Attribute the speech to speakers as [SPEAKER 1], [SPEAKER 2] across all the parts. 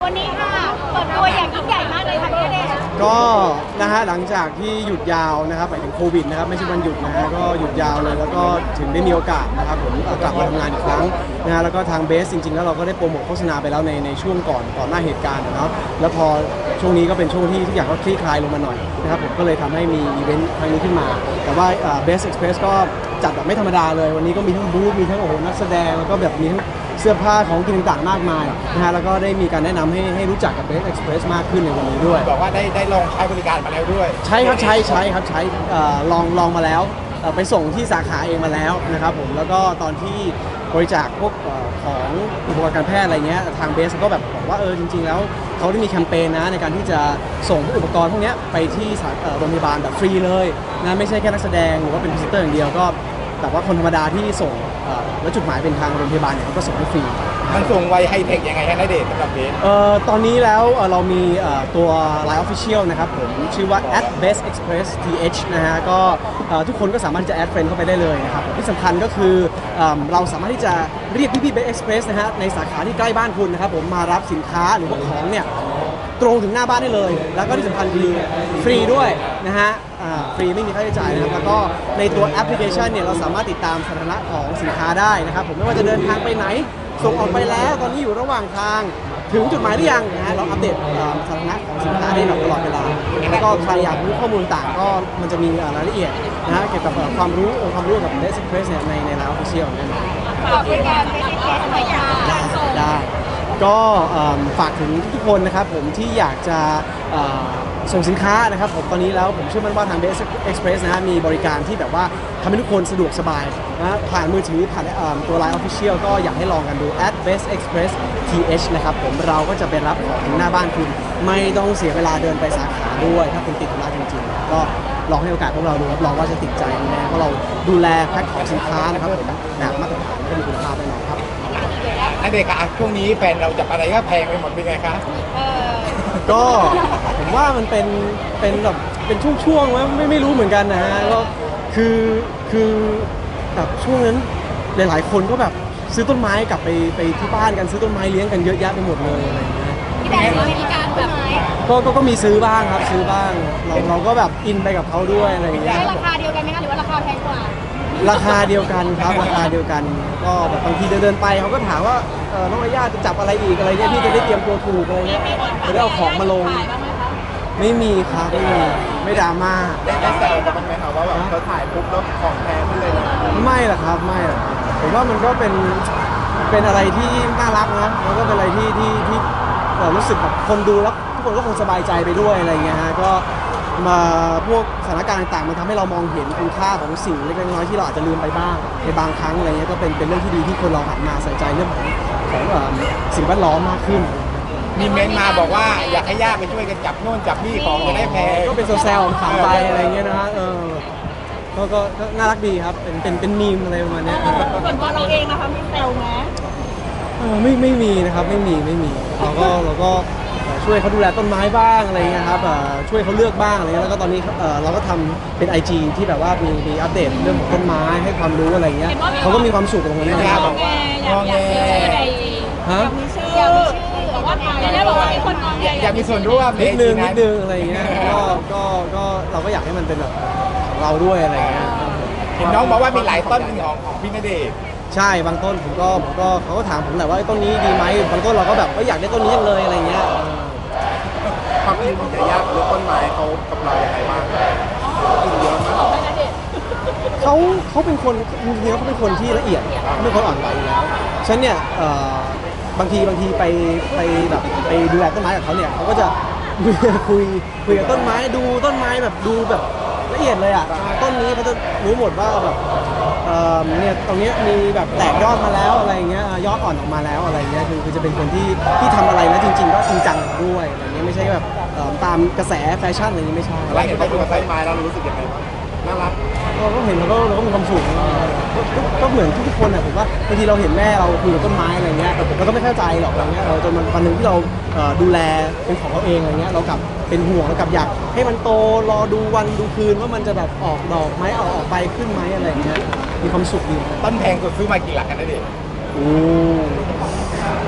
[SPEAKER 1] วันนี้ค่ะเปิดตัวอย่างยิ่งใหญ่มากเลยค่ะพี่ณเดชน์
[SPEAKER 2] ก็นะฮะหลังจากที่หยุดยาวนะครับหมายถึงโควิดนะครับไม่ใช่วันหยุดนะฮะก็หยุดยาวเลยแล้วก็ถึงได้มีโอกาสนะครับผมกลับมาทำงานอีกครั้งนะฮะแล้วก็ทางเบสจริงๆแล้วเราก็ได้โปรโมทโฆษณาไปแล้วในช่วงก่อนหน้าเหตุการณ์เนาะแล้วพอช่วงนี้ก็เป็นช่วงที่ทุกอย่างก็คลี่คลายลงมาหน่อยนะครับผมก็เลยทำให้มีอีเวนต์ครั้งนี้ขึ้นมาแต่ว่าเบสเอ็กซ์เพรสก็จัดแบบไม่ธรรมดาเลยวันนี้ก็มีทั้งบูธมีทั้งโอ้โหนักแสดงแล้วก็แบบมีทั้งเสื้อผ้าของกินต่างๆมากมายนะฮะแล้วก็ได้มีการแนะนำให้รู้จักกับ Best Express มากขึ้นในวันนี้ด้วย
[SPEAKER 3] บอกว่าได้ลองใช้บริการมาแล้วด้วย
[SPEAKER 2] ใช่ครับใช้ครับใช้ลองมาแล้วไปส่งที่สาขาเองมาแล้วนะครับผมแล้วก็ตอนที่บริจาคพวกของอุปกรณ์การแพทย์อะไรเงี้ยทางเบสก็แบบบอกว่าจริงๆแล้วเขาได้มีแคมเปญนะในการที่จะส่งอุปกรณ์พวกนี้ไปที่โรงพยาบาลแบบฟรีเลยนะไม่ใช่แค่นักแสดงหรือว่าเป็นพรีเซนเตอร์อย่างเดียวก็แต่ว่าคนธรรมดาที่ส่งแล้วจุดหมายเป็นทางโรงพยาบาลเนี่ยเขาก็ส่งให้ฟรี
[SPEAKER 3] มันส่งไวไฮเทคยังไงฮะณเดชน์สำหรับเบส
[SPEAKER 2] ตอนนี้แล้วเรามีตัว Line Official นะครับผมชื่อว่า @bestexpress.th นะฮะก็ทุกคนก็สามารถจะแอดเฟรนด์เข้าไปได้เลยนะครับที่สำคัญก็คือเราสามารถที่จะเรียกพี่ๆ Best Express นะฮะในสาขาที่ใกล้บ้านคุณนะครับผมมารับสินค้าหรือว่าของเนี่ยตรงถึงหน้าบ้านได้เลยแล้วก็ที่สำคัญคือฟรีด้วยนะฮะฟรีไม่มีค่าใช้จ่ายนะครับแล้วก็ในตัวแอปพลิเคชันเนี่ยเราสามารถติดตามสถานะของสินค้าได้นะครับผมไม่ว่าจะเดินทางไปไหนส่งออกไปแล้วตอนนี้อยู่ระหว่างทางถึงจุดหมายหรือยังนะฮะเราอัปเดตสถานะของสินค้าได้ตลอดเวลาแล้วก็ใครอยากรู้ข้อมูลต่างก็มันจะมีรายละเอียดนะฮะเกี่ยวกับความรู้กับ Best Express เนี่ยใน Line Official นั่นเอง
[SPEAKER 1] ฝากบริการเป็นแก๊สหน่อยค่ะ
[SPEAKER 2] ได้ก็ฝากถึงทุกคนนะครับผมที่อยากจะส่งสินค้านะครับผมตอนนี้แล้วผมเชื่อมั่นว่าทาง Best Express นะฮะมีบริการที่แบบว่าทำให้ทุกคนสะดวกสบายนะผ่านมือถือผ่านตัว Line Official ก็อยากให้ลองกันดู @bestexpress.th นะครับผมเราก็จะไปรับของถึงหน้าบ้านคุณไม่ต้องเสียเวลาเดินไปสาขาด้วยถ้าคุณติดธุระจริงๆก็ลองให้โอกาสพวกเราดูรับรองว่าจะติดใจแน่เพราะเราดูแลแพ็คของสินค้านะครับผมแบบมาตรฐานก็มีคุณภาพแน่นอนครับ
[SPEAKER 3] ณเดชน์คะช่วงนี้แฟนเราจับอะไรก็แพงไปหมดเป็นไงคะ
[SPEAKER 2] ก็ผมว่ามันเป็นแบบเป็นช่วงๆว่าไม่รู้เหมือนกันนะฮะก็คือแบบช่วงนั้นหลายๆคนก็แบบซื้อต้นไม้กลับไปที่บ้านกันซื้อต้นไม้เลี้ยงกันเยอะแยะไปหมดเลยอะไรอย่างเงี้ย
[SPEAKER 1] พี่แดนมีการแบบไหน
[SPEAKER 2] ก็มีซื้อบ้างครับซื้อบ้างเราก็แบบอินไปกับเขาด้วยอะไรอย่างเงี้ย
[SPEAKER 1] ได้ราคาเดียวกันไหมคะหรือว่าราคาแพงกว่า
[SPEAKER 2] ราคาเดียวกันครับราคาเดียวกันก็แบบบางทีเดินไปเขาก็ถามว่าน้องอาญาจะจับอะไรอีกอะไรเงี้ยพี่จะได้เตรียมตัวถูกอะไรเงี้ยจะได้เอาของมาลงไม่มีครับไม่ดราม่า
[SPEAKER 3] ได้แซวกันบ้างไหมคะว่าแบบเขาถ่ายปุ๊บแล้วของแพงขึ้นเลยนะ
[SPEAKER 2] ไม่หรอกครับไม่หรอกผมว่ามันก็เป็นอะไรที่น่ารักนะแล้วก็เป็นอะไรที่รู้สึกแบบคนดูแล้วทุกคนก็คงสบายใจไปด้วยอะไรเงี้ยฮะก็มาพวกสถานการณ์ต่างๆมันทำให้เรามองเห็นคุณค่าของสิ่งเล็กๆน้อยๆที่เราอาจจะลืมไปบ้างในบางครั้งอะไรเงี้ยก็เป็นเรื่องที่ดีที่คนเราหันมาใส่ใจเรื่องของสิ่งแวดล้อมมากขึ้น
[SPEAKER 3] มีเมนมาบอกว่าอยากให้ญาติไปช่วยกันจับโน่นจับนี่ของจะได้แพง
[SPEAKER 2] ก็เป็นแซวๆถามไปอะไรเงี้ยนะฮะก็น่ารักดีครับเป็นมีมอะไรประมาณนี้
[SPEAKER 1] ส่วนตัวเราเองนะคะมีแซวไหม
[SPEAKER 2] ไม่มีนะครับไม่มีเราก็ช่วยเขาดูแลต้นไม้บ้างอะไรเงี้ยครับช่วยเขาเลือกบ้างอะไรเงี้ยแล้วก็ตอนนี้เราก็ทำเป็น IG ที่แบบว่ามีอัปเดตเรื่องของต้นไม้ให้ความรู้อะไรเงี้ยเขาก็มีความสุขกับตรงนี้
[SPEAKER 1] นะบอกว่าอยากมีชื่อใน
[SPEAKER 2] ฮะ
[SPEAKER 1] มีชื่อบอกว่าบอกว่ามีคนมอง
[SPEAKER 3] อยากมีส่วนร่วม
[SPEAKER 2] นิดนึงอะไรเงี้ยก็เราก็อยากให้มันเป็นแบบของเราด้วยอะไรเงี้ย
[SPEAKER 3] เห็นน้องบอกว่ามีหลายต้นของพี่ณเดชน์
[SPEAKER 2] ใช่บางต้นผมก็เขาก็ถามผมแหละว่าต้นนี้ดีไหมบางต้นเราก็แบบอยากได้ต้นนี้จังเลยอะไรเงี้ย
[SPEAKER 3] ความคิดมันจะยากหรือต้นไม้เขากับเราอย่างไรบ้างกินเยอะมาก
[SPEAKER 2] เขาเป็นคนจริงๆเขาเป็นคนที่ละเอียดไม่ค่อยอ่อนไหวอยู่แล้วฉันเนี่ยบางทีไปแบบไปดูแลต้นไม้กับเขาเนี่ยเขาก็จะคุยกับต้นไม้ดูต้นไม้แบบดูแบบละเอียดเลยอ่ะต้นนี้เขาจะรู้หมดว่าแบบเนี่ยตรงนี้มีแบบแตกยอดมาแล้วอะไรเงี้ยยอดอ่อนออกมาแล้วอะไรเงี้ยคือจะเป็นคนที่ทำอะไรแล้วจริงๆก็จริงจังด้วยอะไรเงี้ยไม่ใช่แบบตามกระแสแฟชั่นอะไรเงี้ยไม่ใช่
[SPEAKER 3] แล้วเห็นเขาดูต้นไม้แล้วรู้สึกยังไงบ้างน่ารัก
[SPEAKER 2] เราก็เห็นเราก็มีความสุขก็เหมือนทุกคนอ่ะผมว่าบางทีเราเห็นแม่เราคุยกับต้นไม้อะไรเงี้ยเราก็ไม่เข้าใจหรอกอะไรเงี้ยจนวันหนึ่งที่เราดูแลเป็นของเราเองอะไรเงี้ยเรากลับเป็นห่วงเรากลับอยากให้มันโตรอดูวันดูคืนว่ามันจะแบบออกดอกไหมออกใบขึ้นไหมอะไรเงี้ยมีความสุขดี
[SPEAKER 3] ต้นแพงสุดซื้อมากี่หลักกันนะเด็ก
[SPEAKER 2] โอ้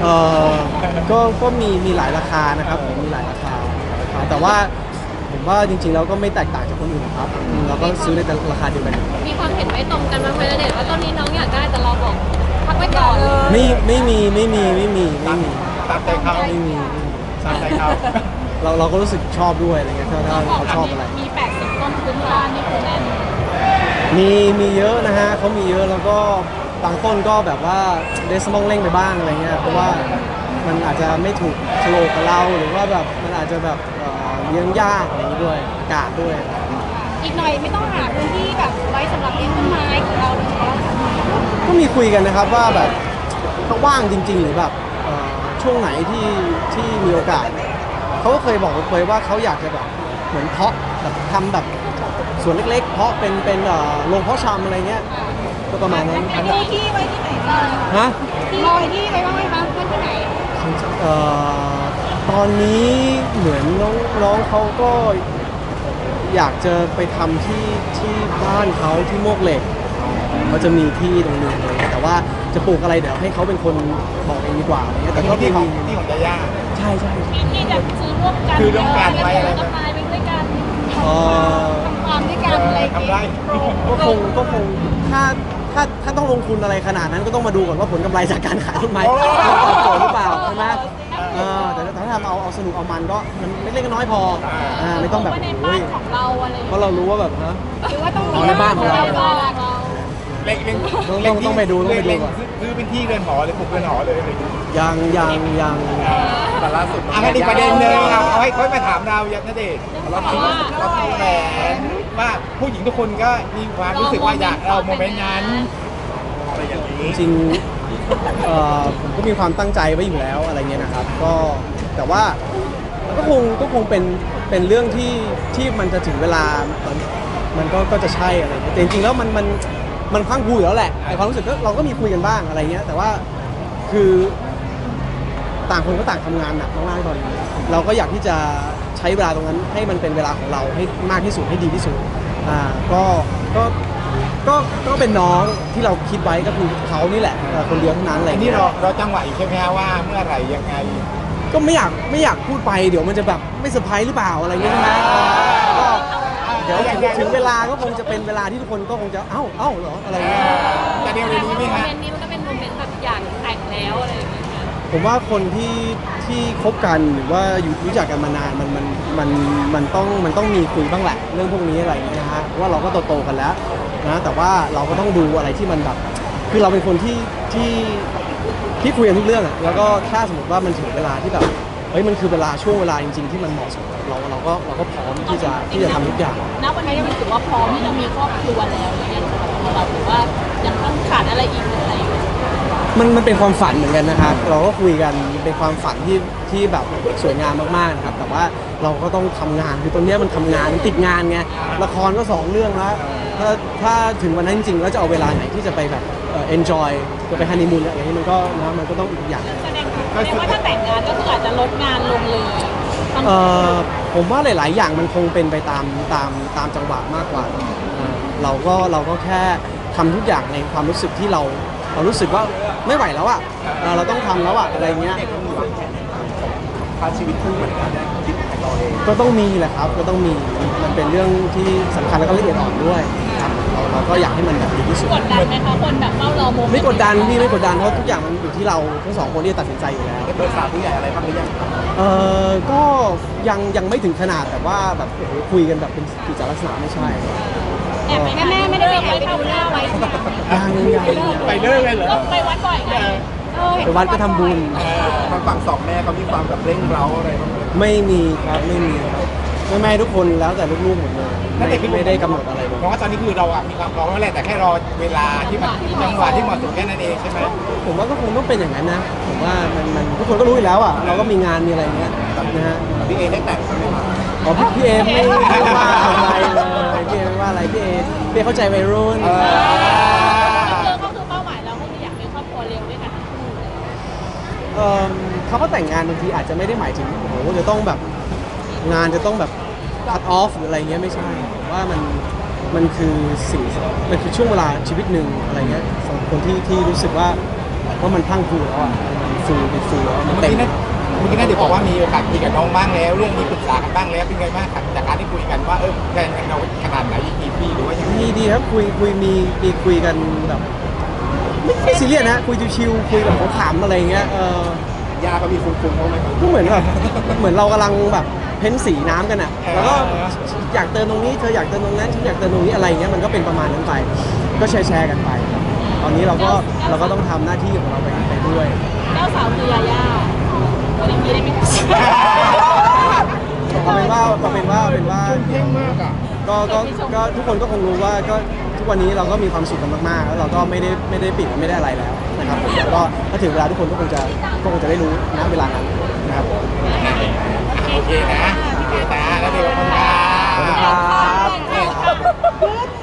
[SPEAKER 2] เออก็มีหลายราคานะครับผมมีหลายราคาแต่ว่าผมว่าจริงๆแล้วก็ไม่แตกต่างจากคนอื่นครับเราก็ซื้อในราคาเดียวกัน
[SPEAKER 4] มีความเห็นไม่ตรงกันบ้างไหมณเดชน์ว่าตอนนี้น้องอยากได้แต่เราบอกพักไว้ก่อน
[SPEAKER 2] ไม่มี
[SPEAKER 3] ตามใจเขา
[SPEAKER 2] ไม่มี
[SPEAKER 3] ตามใจเขา
[SPEAKER 2] เราก็รู้สึกชอบด้วยอะไรเงี้ยถ้าเขาชอบอะไร
[SPEAKER 1] มี80ต้นพื้นบ้านนี่คือแน่น
[SPEAKER 2] มีเยอะนะฮะเขามีเยอะแล้วก็บางต้นก็แบบว่าเดสมองเร่งไปบ้างอะไรเงี้ยเพราะว่ามันอาจจะไม่ถูกโฉลกกับเราหรือว่าแบบมันอาจจะแบบเลี้ยงยากอะไรอย่างนี้ด้วยอากาศด้วย
[SPEAKER 1] อีกหน่อยไม่ต้องหาพื้นที่แบบไว้สำหรับเลี้ยงต้นไม้ของเราเลยเนาะ
[SPEAKER 2] ก็มีคุยกันนะครับว่าแบบถ้าว่างจริง ๆ หรือแบบช่วงไหนที่มีโอกาสเขาก็เคยบอกเคยว่าเขาอยากจะแบบเหมือนเพาะแบบทำแบบสวนเล็กๆเพาะเป็นโรงเพาะชำอะไรเงี้ยก็ประมาณนั้น
[SPEAKER 1] มีที่ไว้ที่ไหนบ้าง
[SPEAKER 2] ฮะ
[SPEAKER 1] ที่ลอยที่ไว้บ้างไหมคะไว้ที่ไหน
[SPEAKER 2] ตอนนี้เหมือนน้องเขาก็อยากจะไปทำที่บ้านเขาที่มวกเหล็กเขาจะมีที่ตรงนึงเลยแต่ว่าจะปลูกอะไรเดี๋ยวให้เขาเป็นคนบอกเองดีกว่าอะไรเงี้ยแต่ก็
[SPEAKER 3] ที่
[SPEAKER 2] มี
[SPEAKER 3] ของยาย่า
[SPEAKER 2] ใช่
[SPEAKER 1] มีที่จะซื้อร่วมกัน
[SPEAKER 3] คือร่วมกันไว้
[SPEAKER 1] แล้
[SPEAKER 3] อะไร
[SPEAKER 1] วก็ตายไปด้วยกัน
[SPEAKER 2] เอ่อ
[SPEAKER 1] ทำความด้วยกันอะไรอย่าง
[SPEAKER 3] ทำ
[SPEAKER 1] เงี้
[SPEAKER 3] ไร
[SPEAKER 1] ย
[SPEAKER 2] ก็คงถ้าต้องลงทุนอะไรขนาดนั้นก็ต้องมาดูก่อนว่าผลกำไรจากการขายต้นไม้ตอบโจทย์หรือเปล่าใช่ไหมแต่ถ้าทำเอาสนุกเอามันก็มันเล็กๆน้อยๆพอไม่ต้องแบบ
[SPEAKER 1] ว่าใน
[SPEAKER 2] โอ้
[SPEAKER 1] บ้าย นของเราอะไรอย่าง
[SPEAKER 2] เพ
[SPEAKER 1] เงี้ย
[SPEAKER 2] ราะเรารู้ว่าแบบฮะ
[SPEAKER 1] หรือว่าต้อง
[SPEAKER 2] อ๋อในบ้านของเรา
[SPEAKER 1] บ้านเรา
[SPEAKER 3] เล็ก
[SPEAKER 2] ต้องไปดูก่อน
[SPEAKER 3] ซื้อเป็นที่เรือนหอเลยปลูกเรือนหอเลยอะไรอย่างเงี้ย
[SPEAKER 2] ยัง
[SPEAKER 3] แต่ล่าสุดงั้นอีกประเด็นหนึงครับเอาให้ค่อยมาถามเราอย่างนั่นเองเราคิดแผนว่าผู้หญิงทุกคนก็มีความรู้สึกว่าอยากเอาโมเมนต์นั้นอะไรอย่างนี้
[SPEAKER 2] จริงๆผมก็มีความตั้งใจไว้อยู่แล้วอะไรเงี้ยนะครับก็แต่ว่าก็คงเป็นเรื่องที่มันจะถึงเวลามันก็จะใช่อะไรเงี้ยแต่จริงๆแล้วมันพรังพรูอยู่แล้วแหละในความรู้สึกก็เราก็มีคุยกันบ้างอะไรเงี้ยแต่ว่าคือต่างคนก็ต่างทำงานหนักมากๆตอนนี้เราก็อยากที่จะใช้เวลาตรงนั้นให้มันเป็นเวลาของเราให้มากที่สุดให้ดีที่สุดก็เป็นน้องที่เราคิดไว้ก็คือเขานี่แหละคนเดียวเท่านั้นอะไร
[SPEAKER 3] อัน
[SPEAKER 2] เงี้
[SPEAKER 3] นี้
[SPEAKER 2] ย
[SPEAKER 3] เราจังหวะอยู่ใช่ไหมฮะว่าเมื่อไหร่ยังไง
[SPEAKER 2] ก็ไม่อยากพูดไปเดี๋ยวมันจะแบบไม่เซอร์ไพรส์หรือเปล่าอะไรเงี้ยใช่ไหมก็เดี๋ยวถึงเวลาก็คงจะเป็นเวลาที่ทุกคนก็คงจะเอ้าเหรออะไรเงี้ย
[SPEAKER 3] จะเดียวในนี้ไหม
[SPEAKER 4] โม
[SPEAKER 3] ฮะ
[SPEAKER 4] เมนต์นี้มันก็เป็นโมเมนต์แบบอยากแต่งแล้วอะไรอย่างเงี้ยค่ะ
[SPEAKER 2] ผมว่าคนที่คบกันหรือว่าอยู่รู้จักกันมานานมันต้องมีคุยบ้างแหละเรื่องพวกนี้อะไรเงี้ยนะฮะว่าเราก็โตกันแล้วนะแต่ว่าเราก็ต้องดูอะไรที่มันแบบคือเราเป็นคนที่คุยกันทุกเรื่องอะแล้วก็ถ้าสมมติว่ามันถึงเวลาที่แบบเฮ้ยมันคือเวลาช่วงเวลาจริง ๆ ที่มันเหมาะสมเราก็พร้อมที่จะทำทุกอย่าง
[SPEAKER 1] ณวันนี้มันถือว่าพร้อมที่จะมีครอบครัวแล้วหรือยังสำหรับตัวเราหรือว่ายังต้องขาดอะไรอีกหรืออะไรอยู่
[SPEAKER 2] มันเป็นความฝันเหมือนกันนะครับ เราก็คุยกันเป็นความฝันที่แบบสวยงามมากๆนะครับแต่ว่าเราก็ต้องทำงานคือตอนนี้มันทำงานมันติดงานไงละครก็2เรื่องแล้วถ้าถึงวันนั้นจริงๆแล้วจะเอาเวลาไหนที่จะไปแบบenjoy จะไปฮันนีมูนอะไรอย่างนี้มันก็ต้องอีกอย่างหนึ่ง
[SPEAKER 1] แสดงว่าถ้าแต่งงานก็คืออาจจะลดงานลงเลย
[SPEAKER 2] ผมว่าหลาย ๆ อย่างมันคงเป็นไปตามจังหวะมากกว่าเราก็แค่ทำทุกอย่างในความรู้สึกที่เรารู้สึกว่าไม่ไหวแล้วอ่ะเราต้องทำแล้วอ่ะอะไรเงี้ย
[SPEAKER 3] พาชีวิตคู่เหมือนกันคิดของเราเอง
[SPEAKER 2] ก็ต้องมีแหละครับก็ต้องมีมันเป็นเรื่องที่สำคัญแล้วก็ละเอียดอ่อนด้วยครับเราก็อยากให้มันแบบดีที่สุด
[SPEAKER 1] กดดันไหมคะคนแบบเฝ้ารอโมเมนต์
[SPEAKER 2] ไม่กดดันพี่ไม่กดดันเพราะทุกอย่างมันอยู่ที่เราทั้งสองคนที่จะตัดสินใจอยู่แล้ว
[SPEAKER 3] ได้ปรึกษาผู้ใหญ่อะไรบ้างหรือยัง
[SPEAKER 2] ก็ยังไม่ถึงขนาดแบบว่าแบบโอ้โหคุยกันแบบเป็นกิจลักษณะไม่ใช่
[SPEAKER 1] แอบแม่ไม่ได้ไปแอบไปดูหน้าไว้ใช่ไหม
[SPEAKER 2] ยัง
[SPEAKER 3] ไปเลิกเลยเหรอ
[SPEAKER 1] ก็ไปวัดบ่อยไง
[SPEAKER 2] ไปวัดก็ทำบุญ
[SPEAKER 3] ทางฝั่งสองแม่เขามีความแบบเร่งเร้าอะไรบ้างไหม
[SPEAKER 2] ไม่มีครับไม่มีครับแม่ทุกคนแล้วแต่ลูกๆหมดเลยไม่ได้กำหนดอะไรเลย
[SPEAKER 3] เพราะว่าตอนนี้คือเราอะมีความพร้อมแล้วแหละแต่แค่รอเวลาที่มันจังหวะที่เหมาะสมแค่นั้นเองใช่ไหม
[SPEAKER 2] ผมว่าก็คงต้องเป็นอย่างนั้นนะผมว่ามันทุกคนก็รู้อยู่แล้วอ่ะเราก็มีงานมีอะไรอย่างเงี้ยนะฮะ
[SPEAKER 3] พี่เอได้แต่งใช่ไหมครับ
[SPEAKER 2] อ๋อพี่เอไม่ว่าอะไรเลยพี่เอไม่ว่าอะไรพี่เอเข้าใจวัยรุ่น
[SPEAKER 1] ก็คือเป้าหมายเราก็คืออยากมีครอบครัวเร็วด้วยกันทั้งคู่เลย
[SPEAKER 2] เขาก็แต่งงานบางทีอาจจะไม่ได้หมายถึงโอ้โหจะต้องแบบงานจะต้องแบบ cut off หรืออะไรเงี้ยไม่ใช่ผมว่ามันคือมันคือช่วงเวลาชีวิตหนึ่งอะไรเงี้ยสำหรับคนที่รู้สึกว่ามันพรั่งพรูแล้วอ่ะฟูแล้วมัน
[SPEAKER 3] เมื่อ
[SPEAKER 2] เต็ม
[SPEAKER 3] กี้นั่นเดี๋ยวบอกว่ามีโอกาสคุยกับน้องบ้างแล้ว เรื่องนี้ปรึกษากันบ้างแล้วเป็นไงบ้างครับจากการที่คุยกันว่าแฟนกันเราขนาดไหนกี่ปีหรือว่ายังไง
[SPEAKER 2] ดีครับคุยมีคุยกันแบบไม่ซีเรียสนะคุยชิวๆคุยแบบขำๆอะไรเงี้ย
[SPEAKER 3] ยาก็มีฟุ้งๆเขาไหมครับ
[SPEAKER 2] ก็เหมือนแบบเหมือนเรากำลังแบบเพ้นสีน้ำกันอ่ะแล้วก็อยากเติมตรงนี้เธออยากเติมตรงนั้นฉันอยากเติมตรงนี้อะไรเงี้ยมันก็เป็นประมาณนั้นไปก็แชร์กันไปครับตอนนี้เราก็ต้องทำหน้าที่ของเราไปด้วย
[SPEAKER 1] เจ้าสาวคือยาย่าคนอย่างนี้ได้ไหมคะ
[SPEAKER 2] เอาเป็นว่า
[SPEAKER 3] เท่งมากอ่ะ
[SPEAKER 2] ก็ทุกคนก็คงรู้ว่าก็ทุกวันนี้เราก็มีความสุขกันมากๆแล้วเราก็ไม่ได้ปิดไม่ได้อะไรแล้วนะครับผมแล้วก็ถ้าถึงเวลาทุกคนก็คงจะได้รู้ณเวลานั้นนะครับ
[SPEAKER 3] โอเคนะแล้วเดี๋ยวขอบคุณครั
[SPEAKER 2] ขอบคุณ
[SPEAKER 3] บ
[SPEAKER 2] ครับ